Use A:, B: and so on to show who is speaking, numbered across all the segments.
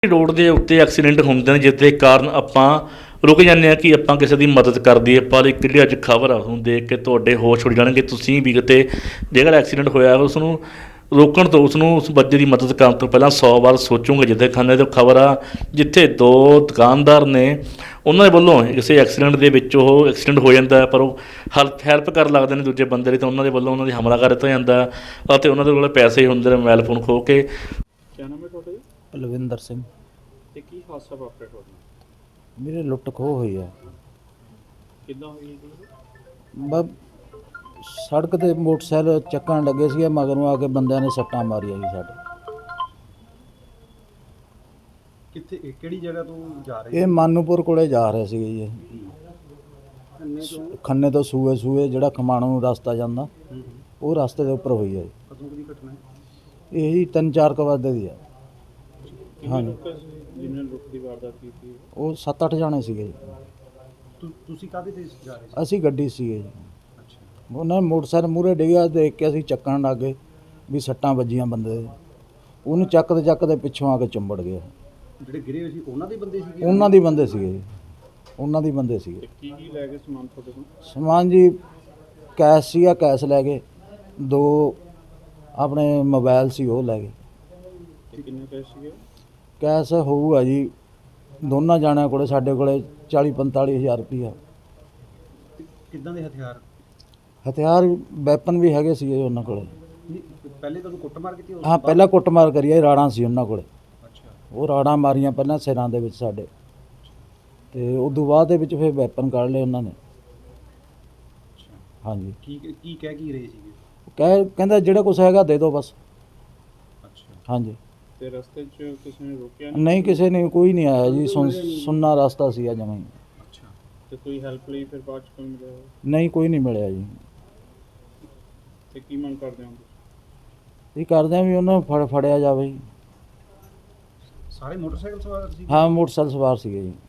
A: Road ਦੇ ਉੱਤੇ accident ਹੁੰਦੇ ਨੇ ਜਿਸ ਦੇ ਕਾਰਨ ਆਪਾਂ ਰੁਕ ਜਾਂਦੇ ਹਾਂ ਕਿ ਆਪਾਂ ਕਿਸੇ ਦੀ ਮਦਦ ਕਰ ਦਈਏ। ਪਰ ਇੱਕ ਜਿਹੜੀ ਅੱਜ ਖਬਰ ਆ ਉਹਨੂੰ ਦੇਖ ਕੇ ਤੁਹਾਡੇ ਹੋਸ਼ ਉੱਡ ਜਾਣਗੇ। ਤੁਸੀਂ ਵੀ ਕਿਤੇ ਜਿਹੜਾ ਐਕਸੀਡੈਂਟ ਹੋਇਆ ਉਸ ਨੂੰ ਰੋਕਣ ਤੋਂ ਉਸ ਬੱਚੇ ਦੀ ਮਦਦ ਕਰਨ ਤੋਂ ਪਹਿਲਾਂ 100 ਵਾਰ ਸੋਚੋਗੇ। ਜਿੱਥੇ ਖੰਨੇ ਤੋਂ ਖਬਰ ਆ ਜਿੱਥੇ ਦੋ ਦੁਕਾਨਦਾਰ ਨੇ ਉਹਨਾਂ ਦੇ ਵੱਲੋਂ ਕਿਸੇ ਐਕਸੀਡੈਂਟ ਦੇ ਵਿੱਚ ਉਹ ਐਕਸੀਡੈਂਟ ਹੋ ਜਾਂਦਾ ਪਰ ਉਹ ਹੈਲਪ ਕਰਨ ਲੱਗਦੇ ਨੇ ਦੂਜੇ ਬੰਦੇ ਦੀ, ਤਾਂ ਉਹਨਾਂ ਦੇ ਵੱਲੋਂ ਉਹਨਾਂ ਦੀ ਹਮਲਾ ਕਰ ਦਿੱਤਾ ਜਾਂਦਾ ਅਤੇ ਉਹਨਾਂ ਦੇ ਕੋਲ ਪੈਸੇ ਹੁੰਦੇ ਨੇ ਮੋਬਾਈਲ ਫੋਨ ਖੋਹ ਕੇ।
B: क्या नाम है टोटल?
C: ਬਲਵਿੰਦਰ ਸਿੰਘ।
B: ਤੇ ਕੀ ਹਾਦਸਾ ਵਾਪਰਿਆ ਤੁਹਾਡਾ?
C: ਮੇਰੇ ਲੁੱਟ ਖੋਹ ਹੋਈ ਆ।
B: ਕਿੱਦਾਂ ਹੋਈ ਜੀ?
C: ਬਸ ਸੜਕ ਤੇ ਮੋਟਰਸਾਈਕਲ ਚੱਕਣ ਲੱਗੇ ਸੀਗੇ, ਮਗਰੋਂ ਆ ਕੇ ਬੰਦਿਆਂ ਨੇ ਸੱਟਾਂ ਮਾਰੀਆਂ ਜੀ ਸਾਡੇ।
B: ਕਿੱਥੇ ਕਿਹੜੀ ਜਗ੍ਹਾ ਤੋਂ ਜਾ ਰਹੇ
C: ਇਹ ਮਾਨੂਪੁਰ ਕੋਲੇ ਜਾ ਰਹੇ ਸੀਗੇ ਜੀ। ਖੰਨੇ ਤੋਂ ਸੂਏ ਜਿਹੜਾ ਖਮਾਣੋਂ ਨੂੰ ਰਸਤਾ ਜਾਂਦਾ ਉਹ ਰਸਤੇ ਦੇ ਉੱਪਰ ਹੋਈ ਹੈ ਜੀ।
B: ਕਦੋਂ ਦੀ ਘਟਨਾ ਹੈ?
C: ਇਹ ਜੀ 3-4 ਵਜੇ ਦੀ ਆ। ਹਾਂਜੀ,
B: ਜਿਨ੍ਹਾਂ ਲੁੱਟ ਦੀ ਵਾਰਦਾਤ ਕੀਤੀ
C: ਉਹ 7-8 ਜਾਣੇ ਸੀਗੇ ਜੀ।
B: ਤੁਸੀਂ ਕਾਹਦੇ ਤੇ ਜਾ ਰਹੇ ਸੀ?
C: ਅਸੀਂ ਗੱਡੀ ਸੀਗੇ ਜੀ।
B: ਅੱਛਾ,
C: ਉਹਨਾਂ ਨੇ ਮੋਟਰਸਾਈਕਲ ਮੂਹਰੇ ਡਿੱਗਿਆ, ਦੇਖ ਕੇ ਅਸੀਂ ਚੱਕਣ ਲੱਗ ਗਏ ਵੀ ਸੱਟਾਂ ਵੱਜੀਆਂ ਬੰਦੇ ਦੇ। ਉਹਨੂੰ ਚੱਕਦੇ ਪਿੱਛੋਂ ਆ ਕੇ ਚੰਬੜ ਗਿਆ।
B: ਜਿਹੜੇ ਗਿਰੇ ਹੋਏ ਸੀ ਉਹਨਾਂ ਦੇ ਬੰਦੇ ਸੀਗੇ?
C: ਉਹਨਾਂ ਦੇ ਬੰਦੇ ਸੀਗੇ ਜੀ, ਉਹਨਾਂ ਦੇ ਬੰਦੇ ਸੀਗੇ।
B: ਕੀ ਲੈ ਗਏ ਸਮਾਨ ਤੁਹਾਡੇ ਕੋਲ?
C: ਸਮਾਨ ਜੀ ਕੈਸ਼ ਸੀਗਾ, ਕੈਸ਼ ਲੈ ਗਏ। 2 ਆਪਣੇ ਮੋਬਾਈਲ ਸੀ ਉਹ ਲੈ ਗਏ।
B: ਤੇ ਕਿੰਨੇ ਪੈਸੇ ਸੀਗੇ?
C: ਕੈਸ਼ ਹੋਊਗਾ ਜੀ ਦੋਨਾਂ ਜਾਣਿਆਂ ਕੋਲੇ, ਸਾਡੇ ਕੋਲੇ 40-45 ਹਜ਼ਾਰ ਰੁਪਈਆ।
B: ਕਿੱਦਾਂ ਦੇ ਹਥਿਆਰ?
C: ਹਥਿਆਰ ਵੈਪਨ ਵੀ ਹੈਗੇ ਸੀਗੇ ਉਹਨਾਂ ਕੋਲੇ।
B: ਪਹਿਲੇ ਤੁਹਾਨੂੰ ਕੁੱਟਮਾਰ ਕੀਤੀ?
C: ਹਾਂ, ਪਹਿਲਾਂ ਕੁੱਟਮਾਰ ਕਰੀ ਆ, ਰਾੜਾਂ ਸੀ ਉਹਨਾਂ ਕੋਲੇ।
B: ਅੱਛਾ,
C: ਉਹ ਰਾੜਾਂ ਮਾਰੀਆਂ ਪਹਿਲਾਂ ਸਿਰਾਂ ਦੇ ਵਿੱਚ ਸਾਡੇ, ਤੇ ਉਦੋਂ ਬਾਅਦ ਦੇ ਵਿੱਚ ਫਿਰ ਵੈਪਨ ਕੱਢ ਲਏ ਉਹਨਾਂ ਨੇ। ਹਾਂਜੀ।
B: ਕੀ ਕਹਿ ਕੀ ਰਹੇ ਸੀਗੇ?
C: ਕਹਿੰਦਾ ਜਿਹੜਾ ਕੁਛ ਹੈਗਾ ਦੇ ਦਿਓ ਬਸ।
B: ਅੱਛਾ,
C: ਹਾਂਜੀ।
B: ਤੇ ਰਸਤੇ 'ਚ ਕਿਸੇ ਨੇ ਰੋਕਿਆ
C: ਨਹੀਂ, ਕਿਸੇ ਨੇ ਕੋਈ ਨਹੀਂ ਆਇਆ ਜੀ। ਸੁੰਨਾ ਰਸਤਾ ਸੀ ਆ ਜਮਾਂ ਹੀ।
B: ਅੱਛਾ, ਤੇ ਕੋਈ ਹੈਲਪ ਲਈ ਫਿਰ ਬਾਅਦ 'ਚ ਕੋਈ ਮਿਲਿਆ?
C: ਨਹੀਂ, ਕੋਈ ਨਹੀਂ ਮਿਲਿਆ ਜੀ।
B: ਤੇ ਕੀ ਮੰਗ ਕਰਦੇ ਹੋ?
C: ਇਹ ਕਰਦੇ ਆ ਵੀ ਉਹਨਾਂ ਨੂੰ ਫੜਿਆ ਜਾਵੇ ਜੀ।
B: ਸਾਰੇ ਮੋਟਰਸਾਈਕਲ ਸਵਾਰ ਸੀ?
C: ਹਾਂ, ਮੋਟਰਸਾਈਕਲ ਸਵਾਰ ਸੀਗੇ ਜੀ।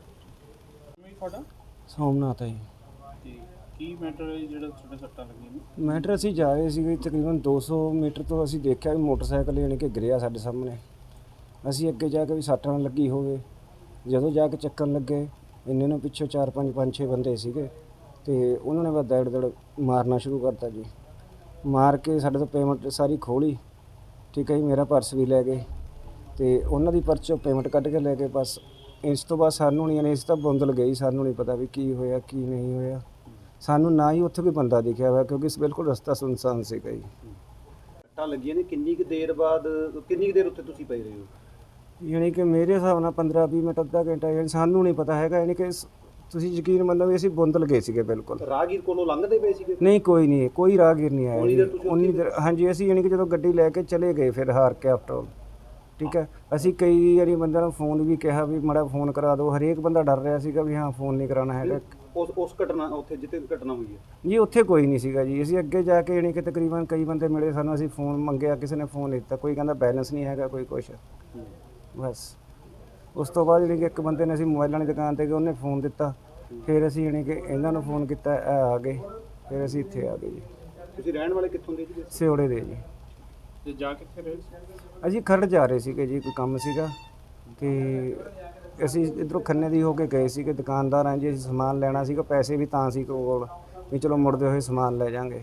B: ਤੁਹਾਡਾ
D: ਸੋਮਨਾਥ ਹੈ ਜੀ।
B: ਤੇ ਕੀ ਮੈਟਰ ਹੈ ਜਿਹੜਾ ਤੁਹਾਡੇ ਸੱਟਾਂ ਲੱਗੀਆਂ ਨੇ?
D: ਮੈਟਰ ਅਸੀਂ ਜਾ ਰਹੇ ਸੀਗੇ, ਤਕਰੀਬਨ 200 ਮੀਟਰ ਤੋਂ ਅਸੀਂ ਦੇਖਿਆ ਵੀ ਮੋਟਰਸਾਈਕਲ ਯਾਨੀ ਕਿ ਗਿਰਿਆ ਸਾਡੇ ਸਾਹਮਣੇ। ਅਸੀਂ ਅੱਗੇ ਜਾ ਕੇ ਵੀ ਸੱਟ ਨਾ ਲੱਗੀ ਹੋਵੇ। ਜਦੋਂ ਜਾ ਕੇ ਚੱਕਣ ਲੱਗੇ ਇੰਨੇ ਨੂੰ ਪਿੱਛੋਂ 4-5 ਬੰਦੇ ਸੀਗੇ ਤੇ ਉਹਨਾਂ ਨੇ ਬਸ ਦੜ ਮਾਰਨਾ ਸ਼ੁਰੂ ਕਰਤਾ ਜੀ। ਮਾਰ ਕੇ ਸਾਡੇ ਤੋਂ ਪੇਮੈਂਟ ਸਾਰੀ ਖੋਲੀ। ਠੀਕ ਹੈ ਜੀ, ਮੇਰਾ ਪਰਸ ਵੀ ਲੈ ਗਏ ਤੇ ਉਹਨਾਂ ਦੀ ਪਰਸ 'ਚੋਂ ਪੇਮੈਂਟ ਕੱਢ ਕੇ ਲੈ ਗਏ। ਬਸ ਇਸ ਤੋਂ ਬਾਅਦ ਸਾਨੂੰ ਨਹੀਂ, ਯਾਨੀ ਇਸ ਤਾਂ ਬੁੰਦਲ ਗਈ, ਸਾਨੂੰ ਨਹੀਂ ਪਤਾ ਵੀ ਕੀ ਹੋਇਆ ਕੀ ਨਹੀਂ ਹੋਇਆ। ਸਾਨੂੰ ਨਾ ਹੀ ਉੱਥੇ ਕੋਈ ਬੰਦਾ ਦਿਖਿਆ ਹੋਇਆ ਕਿਉਂਕਿ ਬਿਲਕੁਲ ਰਸਤਾ ਸੁਨਸਾਨ ਸੀਗਾ ਜੀ।
B: ਸੱਟਾਂ ਲੱਗੀਆਂ ਨੇ ਕਿੰਨੀ ਕੁ ਦੇਰ ਉੱਥੇ ਤੁਸੀਂ ਪਏ ਰਹੇ ਹੋ?
D: ਯਾਨੀ ਕਿ ਮੇਰੇ ਹਿਸਾਬ ਨਾਲ 15-20 ਮਿੰਟ, ਅੱਧਾ ਘੰਟਾ। ਯਾਨੀ ਸਾਨੂੰ ਨਹੀਂ ਪਤਾ ਹੈਗਾ। ਯਾਨੀ ਕਿ ਤੁਸੀਂ ਯਕੀਨ ਮੰਨੋ ਵੀ ਅਸੀਂ ਬੁੰਦਲ ਗਏ ਸੀਗੇ ਬਿਲਕੁਲ।
B: ਰਾਹਗੀਰ ਕੋਲੋਂ ਲੰਘਦੇ ਪਏ ਸੀਗੇ?
D: ਨਹੀਂ, ਕੋਈ ਰਾਹਗੀਰ ਨਹੀਂ ਆਇਆ ਜੀ।
B: ਉਨੀ ਦੇਰ
D: ਹਾਂਜੀ, ਅਸੀਂ ਯਾਨੀ ਕਿ ਜਦੋਂ ਗੱਡੀ ਲੈ ਕੇ ਚਲੇ ਗਏ ਫਿਰ ਹਾਰ ਕੇ ਆਫਟਰ। ਠੀਕ ਹੈ, ਅਸੀਂ ਕਈ ਵਾਰੀ ਬੰਦਿਆਂ ਨੂੰ ਫੋਨ ਵੀ ਕਿਹਾ ਵੀ ਮਾੜਾ ਫੋਨ ਕਰਾ ਦਿਓ। ਹਰੇਕ ਬੰਦਾ ਡਰ ਰਿਹਾ ਸੀਗਾ ਵੀ ਹਾਂ ਫੋਨ ਨਹੀਂ ਕਰਾਉਣਾ ਹੈਗਾ।
B: ਉਸ ਘਟਨਾ ਉੱਥੇ ਜਿੱਥੇ ਘਟਨਾ ਹੋਈ ਹੈ
D: ਜੀ ਉੱਥੇ ਕੋਈ ਨਹੀਂ ਸੀਗਾ ਜੀ। ਅਸੀਂ ਅੱਗੇ ਜਾ ਕੇ ਯਾਨੀ ਕਿ ਤਕਰੀਬਨ ਕਈ ਬੰਦੇ ਮਿਲੇ ਸਾਨੂੰ। ਅਸੀਂ ਫੋਨ ਮੰਗਿਆ, ਕਿਸੇ ਨੇ ਫੋਨ ਦਿੱਤਾ, ਕੋਈ ਕਹਿੰਦਾ ਬੈਲੈਂਸ ਨਹੀਂ ਹੈਗਾ, ਕੋਈ ਕੁਛ। ਬਸ ਉਸ ਤੋਂ ਬਾਅਦ ਯਾਨੀ ਕਿ ਇੱਕ ਬੰਦੇ ਨੇ ਅਸੀਂ ਮੋਬਾਈਲਾਂ ਦੀ ਦੁਕਾਨ 'ਤੇ ਗਏ, ਉਹਨੇ ਫੋਨ ਦਿੱਤਾ। ਫਿਰ ਅਸੀਂ ਯਾਨੀ ਕਿ ਇਹਨਾਂ ਨੂੰ ਫੋਨ ਕੀਤਾ, ਇਹ ਆ ਗਏ। ਫਿਰ ਅਸੀਂ ਇੱਥੇ ਆ ਗਏ ਜੀ।
B: ਤੁਸੀਂ ਰਹਿਣ ਵਾਲੇ ਕਿੱਥੋਂ ਦੇ ਜੀ?
D: ਸਿਉੜੇ ਦੇ ਜੀ।
B: ਤੇ ਜਾ ਕਿੱਥੇ ਰਹੇ ਸੀ?
D: ਅਸੀਂ ਖਰੜ ਜਾ ਰਹੇ ਸੀਗੇ ਜੀ, ਕੋਈ ਕੰਮ ਸੀਗਾ ਤੇ ਅਸੀਂ ਇੱਧਰੋਂ ਖੰਨੇ ਦੀ ਹੋ ਕੇ ਗਏ ਸੀਗੇ। ਦੁਕਾਨਦਾਰ ਆਂ ਜੀ, ਅਸੀਂ ਸਮਾਨ ਲੈਣਾ ਸੀਗਾ, ਪੈਸੇ ਵੀ ਤਾਂ ਸੀ ਕੋਲ ਵੀ ਚਲੋ ਮੁੜਦੇ ਹੋਏ ਸਮਾਨ ਲੈ ਜਾਾਂਗੇ।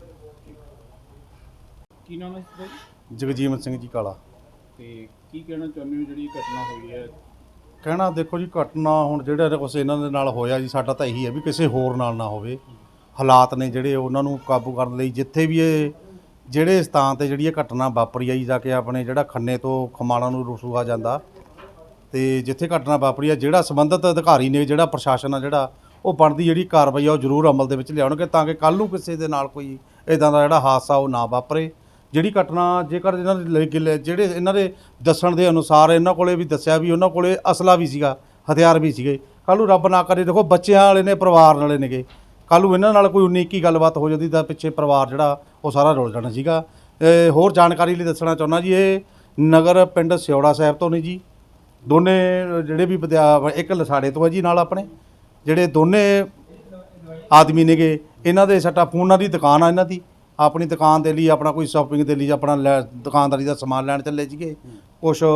B: ਕੀ ਨਾਮ ਹੈ ਤੁਹਾਡਾ?
E: ਜਗਜੀਵਨ ਸਿੰਘ ਜੀ ਕਾਲਾ।
B: ਤੇ ਕੀ ਕਹਿਣਾ ਚਾਹੁੰਦੇ ਹੋ ਜਿਹੜੀ ਘਟਨਾ ਹੋਈ ਹੈ?
E: ਕਹਿਣਾ ਦੇਖੋ ਜੀ, ਘਟਨਾ ਹੁਣ ਜਿਹੜਾ ਕੁਛ ਇਹਨਾਂ ਦੇ ਨਾਲ ਹੋਇਆ ਜੀ, ਸਾਡਾ ਤਾਂ ਇਹੀ ਹੈ ਵੀ ਕਿਸੇ ਹੋਰ ਨਾਲ ਨਾ ਹੋਵੇ। ਹਾਲਾਤ ਨੇ ਜਿਹੜੇ ਉਹਨਾਂ ਨੂੰ ਕਾਬੂ ਕਰਨ ਲਈ ਜਿੱਥੇ ਵੀ ਇਹ ਜਿਹੜੇ ਸਥਾਨ 'ਤੇ ਜਿਹੜੀ ਇਹ ਘਟਨਾ ਵਾਪਰੀ ਆ ਜੀ, ਜਾ ਕੇ ਆਪਣੇ ਜਿਹੜਾ ਖੰਨੇ ਤੋਂ ਖਮਾਣਾ ਨੂੰ ਰਸੂਆ ਜਾਂਦਾ ਤੇ ਜਿੱਥੇ ਘਟਨਾ ਵਾਪਰੀ ਆ, ਜਿਹੜਾ ਸੰਬੰਧਿਤ ਅਧਿਕਾਰੀ ਨੇ, ਜਿਹੜਾ ਪ੍ਰਸ਼ਾਸਨ ਆ, ਜਿਹੜਾ ਉਹ ਬਣਦੀ ਜਿਹੜੀ ਕਾਰਵਾਈ ਆ ਉਹ ਜ਼ਰੂਰ ਅਮਲ ਦੇ ਵਿੱਚ ਲਿਆਉਣਗੇ ਤਾਂ ਕਿ ਕੱਲ੍ਹ ਨੂੰ ਕਿਸੇ ਦੇ ਨਾਲ ਕੋਈ ਇੱਦਾਂ ਦਾ ਜਿਹੜਾ ਹਾਦਸਾ ਉਹ ਨਾ ਵਾਪਰੇ। ਜਿਹੜੀ ਘਟਨਾ ਜੇਕਰ ਇਹਨਾਂ ਦੇ ਜਿਹੜੇ ਇਹਨਾਂ ਦੇ ਦੱਸਣ ਦੇ ਅਨੁਸਾਰ ਇਹਨਾਂ ਕੋਲੇ ਵੀ ਦੱਸਿਆ ਵੀ ਉਹਨਾਂ ਕੋਲੇ ਅਸਲਾ ਵੀ ਸੀਗਾ, ਹਥਿਆਰ ਵੀ ਸੀਗੇ। ਕੱਲ੍ਹ ਨੂੰ ਰੱਬ ਨਾ ਕਰੇ, ਦੇਖੋ ਬੱਚਿਆਂ ਵਾਲੇ ਨੇ, ਪਰਿਵਾਰ ਵਾਲੇ ਨੇਗੇ, ਕੱਲ੍ਹ ਨੂੰ ਇਹਨਾਂ ਨਾਲ ਕੋਈ 19-21 ਗੱਲਬਾਤ ਹੋ ਜਾਂਦੀ ਤਾਂ ਪਿੱਛੇ ਪਰਿਵਾਰ ਜਿਹੜਾ ਉਹ ਸਾਰਾ ਰੁਲ ਜਾਣਾ ਸੀਗਾ। ਹੋਰ ਜਾਣਕਾਰੀ ਲਈ ਦੱਸਣਾ ਚਾਹੁੰਦਾ ਜੀ, ਇਹ ਨਗਰ ਪਿੰਡ ਸਿਉੜਾ ਸਾਹਿਬ ਤੋਂ ਨੇ ਜੀ। ਦੋਨੇ ਜਿਹੜੇ ਵੀ ਇੱਕ ਲਸਾੜੇ ਤੋਂ ਹੈ ਜੀ ਨਾਲ ਆਪਣੇ, ਜਿਹੜੇ ਦੋਨੇ ਆਦਮੀ ਨੇਗੇ। ਇਹਨਾਂ ਦੇ ਸੱਟਾ ਫੋਨਾਂ ਦੀ ਦੁਕਾਨ ਆ ਇਹਨਾਂ ਦੀ। ਆਪਣੀ ਦੁਕਾਨ ਦੇ ਲਈ, ਆਪਣਾ ਕੋਈ ਸ਼ਾਪਿੰਗ ਦੇ ਲਈ, ਆਪਣਾ ਦੁਕਾਨਦਾਰੀ ਦਾ ਸਮਾਨ ਲੈਣ ਚੱਲੇ ਸੀਗੇ। ਕੁਛ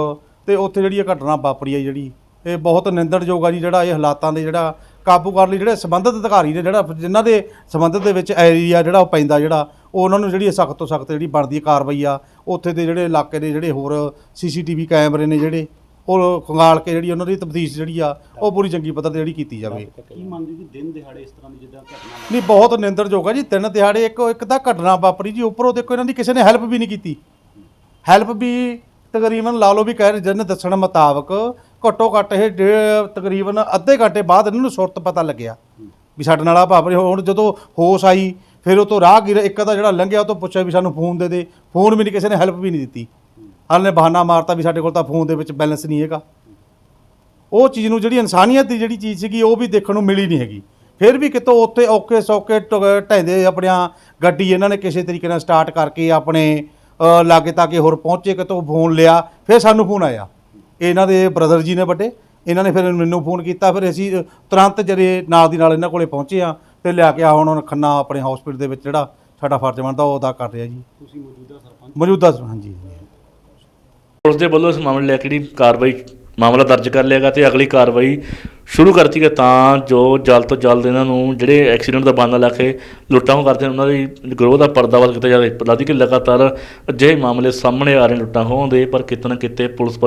E: ਤੇ ਉੱਥੇ ਜਿਹੜੀ ਇਹ ਘਟਨਾ ਵਾਪਰੀ ਹੈ ਜਿਹੜੀ ਇਹ ਬਹੁਤ ਨਿੰਦਣਯੋਗ ਆ ਜੀ। ਜਿਹੜਾ ਇਹ ਹਾਲਾਤਾਂ ਦੇ ਜਿਹੜਾ ਕਾਬੂ ਕਰਨ ਲਈ ਜਿਹੜੇ ਸੰਬੰਧਿਤ ਅਧਿਕਾਰੀ ਨੇ ਜਿਹੜਾ ਜਿਨ੍ਹਾਂ ਦੇ ਸੰਬੰਧਿਤ ਦੇ ਵਿੱਚ ਏਰੀਆ ਜਿਹੜਾ ਉਹ ਪੈਂਦਾ ਜਿਹੜਾ ਉਹ ਉਹਨਾਂ ਨੂੰ ਜਿਹੜੀ ਸਖਤ ਤੋਂ ਸਖਤ ਜਿਹੜੀ ਬਣਦੀ ਕਾਰਵਾਈ ਆ ਉੱਥੇ ਦੇ ਜਿਹੜੇ ਇਲਾਕੇ ਦੇ ਜਿਹੜੇ ਹੋਰ CCTV ਕੈਮਰੇ ਨੇ ਜਿਹੜੇ ਉਹ ਖੰਗਾਲ ਕੇ ਜਿਹੜੀ ਉਹਨਾਂ ਦੀ ਤਫਤੀਸ਼ ਜਿਹੜੀ ਆ ਉਹ ਪੂਰੀ ਚੰਗੀ ਪੱਧਰ ਤੇ ਜਿਹੜੀ ਕੀਤੀ ਜਾਵੇ।
B: ਕੀ ਮੰਨਦੇ ਜੀ ਦਿਨ ਦਿਹਾੜੇ ਇਸ ਤਰ੍ਹਾਂ ਦੀ ਜਿੱਦਾਂ ਘਟਨਾ
E: ਨਹੀਂ ਬਹੁਤ ਨਿੰਦਣਯੋਗ ਆ ਜੀ। ਦਿਨ ਦਿਹਾੜੇ ਇੱਕ ਤਾਂ ਘਟਨਾ ਵਾਪਰੀ ਜੀ, ਉੱਪਰੋਂ ਦੇਖੋ ਇਹਨਾਂ ਦੀ ਕਿਸੇ ਨੇ ਹੈਲਪ ਵੀ ਨਹੀਂ ਕੀਤੀ। ਹੈਲਪ ਵੀ ਤਕਰੀਬਨ ਲਾ ਲਓ ਵੀ ਕਹਿ ਰਹੇ ਜਿਹਨੇ ਦੱਸਣ ਮੁਤਾਬਕ ਘੱਟੋ ਘੱਟ ਇਹ ਤਕਰੀਬਨ ਅੱਧੇ ਘੰਟੇ ਬਾਅਦ ਇਹਨਾਂ ਨੂੰ ਸੁਰਤ ਪਤਾ ਲੱਗਿਆ ਵੀ ਸਾਡੇ ਨਾਲ ਆ ਵਾਪਰਿਆ। ਹੁਣ ਜਦੋਂ ਹੋਸ਼ ਆਈ ਫਿਰ ਉਹ ਤੋਂ ਰਾਹਗੀਰ ਇੱਕ ਦਾ ਜਿਹੜਾ ਲੰਘਿਆ ਉਹ ਤੋਂ ਪੁੱਛਿਆ ਵੀ ਸਾਨੂੰ ਫੋਨ ਦੇ ਦੇ, ਫੋਨ ਵੀ ਨਹੀਂ, ਕਿਸੇ ਨੇ ਹੈਲਪ ਵੀ ਨਹੀਂ ਦਿੱਤੀ। ਹਾਲੇ ਨੇ ਬਹਾਨਾ ਮਾਰਤਾ ਵੀ ਸਾਡੇ ਕੋਲ ਤਾਂ ਫੋਨ ਦੇ ਵਿੱਚ ਬੈਲੈਂਸ ਨਹੀਂ ਹੈਗਾ। ਉਹ ਚੀਜ਼ ਨੂੰ ਜਿਹੜੀ ਇਨਸਾਨੀਅਤ ਦੀ ਜਿਹੜੀ ਚੀਜ਼ ਸੀਗੀ ਉਹ ਵੀ ਦੇਖਣ ਨੂੰ ਮਿਲੀ ਨਹੀਂ ਹੈਗੀ। ਫਿਰ ਵੀ ਕਿਤੋਂ ਉੱਥੇ ਔਕੇ ਸੌਕੇ ਢੈਂਦੇ ਆਪਣੀਆਂ ਗੱਡੀ ਇਹਨਾਂ ਨੇ ਕਿਸੇ ਤਰੀਕੇ ਨਾਲ ਸਟਾਰਟ ਕਰਕੇ ਆਪਣੇ ਲਾਗੇ ਤਾਗੇ ਹੋਰ ਪਹੁੰਚੇ, ਕਿਤੋਂ ਫੋਨ ਲਿਆ, ਫਿਰ ਸਾਨੂੰ ਫੋਨ ਆਇਆ। ਇਹਨਾਂ ਦੇ ਬ੍ਰਦਰ ਜੀ ਨੇ ਵੱਡੇ, ਇਹਨਾਂ ਨੇ ਫਿਰ ਮੈਨੂੰ ਫੋਨ ਕੀਤਾ। ਫਿਰ ਅਸੀਂ ਤੁਰੰਤ ਜਿਹੜੇ ਨਾਲ ਦੀ ਨਾਲ ਇਹਨਾਂ ਕੋਲੇ ਪਹੁੰਚੇ ਆ ਤੇ ਲਿਆ ਕੇ ਹੁਣ ਖੰਨਾ ਆਪਣੇ ਹਸਪੀਟਲ ਦੇ ਵਿੱਚ ਜਿਹੜਾ ਸਾਡਾ ਫਰਜ਼ ਬਣਦਾ ਉਹ ਅਦਾ ਕਰ ਰਿਹਾ ਜੀ।
B: ਤੁਸੀਂ ਮੌਜੂਦਾ ਸਰਪੰਚ
E: ਮੌਜੂਦਾ ਹਾਂਜੀ।
A: ਪੁਲਿਸ ਦੇ ਵੱਲੋਂ ਇਸ ਮਾਮਲੇ ਲੈ ਕੇ ਜਿਹੜੀ ਕਾਰਵਾਈ ਮਾਮਲਾ ਦਰਜ ਕਰ ਲਿਆਗਾ ਤੇ ਅਗਲੀ ਕਾਰਵਾਈ ਸ਼ੁਰੂ ਕਰਤੀ ਹੈ ਤਾਂ ਜੋ ਜਲਦ ਤੋਂ ਜਲਦ ਇਹਨਾਂ ਨੂੰ ਜਿਹੜੇ ਐਕਸੀਡੈਂਟ ਦਾ ਬਹਾਨਾ ਲਾ ਕੇ ਲੁੱਟਾਂ ਖੋਹ ਕਰਦੇ ਉਹਨਾਂ ਦੀ ਗਰੋਹ ਦਾ ਪਰਦਾਫਾਸ਼ ਕੀਤਾ ਜਾਵੇ। ਪਤਾ ਕਿ ਲਗਾਤਾਰ ਅਜਿਹੇ ਮਾਮਲੇ ਸਾਹਮਣੇ ਆ ਰਹੇ ਲੁੱਟਾਂ ਖੋਹਾਂ ਦੇ, ਪਰ ਕਿਤੇ ਨਾ ਕਿਤੇ ਪੁਲਿਸ